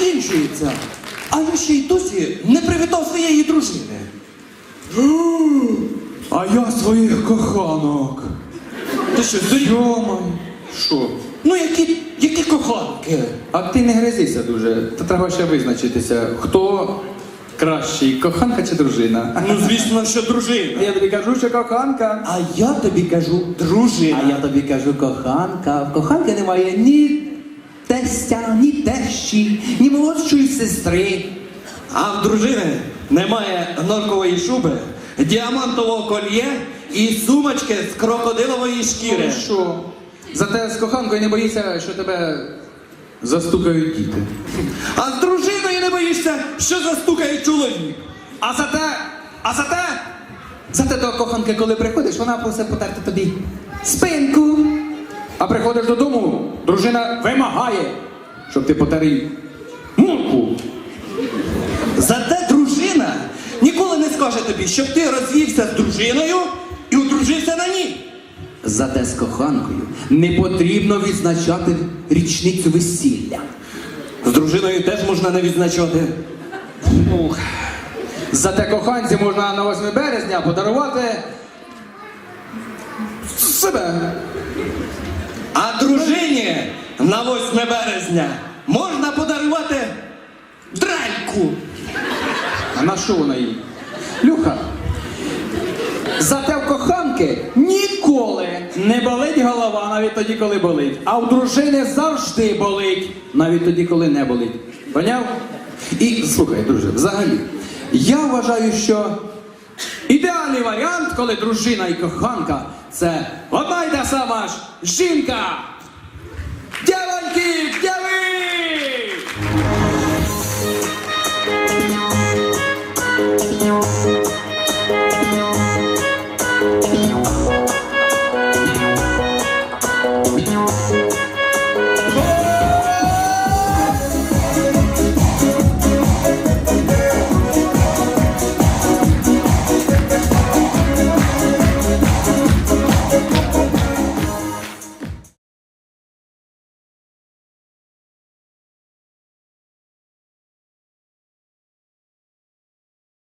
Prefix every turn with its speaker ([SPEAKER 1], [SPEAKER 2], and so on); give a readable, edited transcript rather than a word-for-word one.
[SPEAKER 1] закінчується, а я ще й досі не привітав своєї дружини.
[SPEAKER 2] А я своїх коханок.
[SPEAKER 1] Ти що, здурів?
[SPEAKER 2] Йомай. Що?
[SPEAKER 1] Ну які коханки?
[SPEAKER 2] А ти не гризися дуже. Та треба ще визначитися, хто кращий, коханка чи дружина.
[SPEAKER 1] Ну, звісно, що дружина.
[SPEAKER 2] Я тобі кажу, що коханка.
[SPEAKER 1] А я тобі кажу дружина.
[SPEAKER 3] А я тобі кажу, коханка. В коханки немає ні тестя, ні тещі, ні молодшої сестри.
[SPEAKER 1] А в дружини немає норкової шуби, діамантового кольє і сумочки з крокодилової шкіри.
[SPEAKER 2] Ну що? Зате з коханкою не боїшся, що тебе застукають діти.
[SPEAKER 1] А з дружиною не боїшся, що застукає чоловік.
[SPEAKER 3] Зате до коханки, коли приходиш, вона просить потерти тобі спинку.
[SPEAKER 2] А приходиш додому, дружина вимагає, щоб ти потер їй мурку.
[SPEAKER 1] Зате дружина ніколи не скаже тобі, щоб ти розвівся з дружиною і одружився на ній.
[SPEAKER 3] Зате з коханкою не потрібно відзначати річницю весілля.
[SPEAKER 1] З дружиною теж можна не відзначати.
[SPEAKER 2] Ух. Зате коханці можна на 8 березня подарувати себе.
[SPEAKER 1] А дружині на 8 березня можна подарувати дральку.
[SPEAKER 2] А на що вона їй?
[SPEAKER 3] Люха, зате в коханки ніколи не болить голова, навіть тоді, коли болить. А в дружини завжди болить, навіть тоді, коли не болить. Поняв?
[SPEAKER 2] І слухай, друже, взагалі, я вважаю, що
[SPEAKER 3] Ідеальний варіант, коли дружина і коханка – це одна й та сама ж жінка. Дівчина!